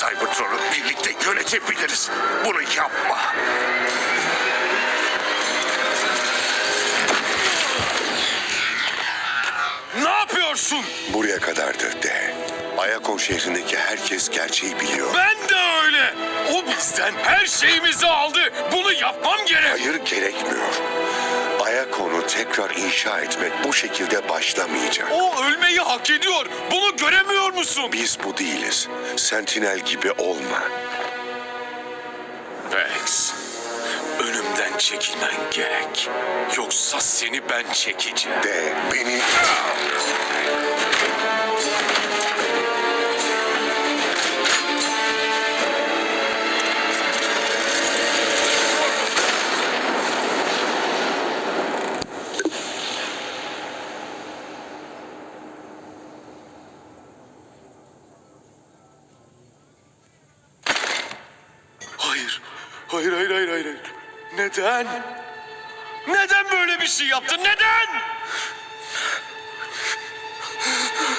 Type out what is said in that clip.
Cybertron'u birlikte yönetebiliriz. Bunu yapma. Ne yapıyorsun? Buraya kadardı de. Ayakon şehrindeki herkes gerçeği biliyor. Ben de öyle. O bizden her şeyimizi aldı. Bunu yapmam gerek. Hayır, gerekmiyor. Ayakon'u tekrar inşa etmek bu şekilde başlamayacak. O ölmeyi hak ediyor. Bunu göremiyor musun? Biz bu değiliz. Sentinel gibi olma. Vex, önümden çekilmen gerek. Yoksa seni ben çekeceğim. De beni... Hayır. Hayır. Neden? Neden böyle bir şey yaptın? Neden?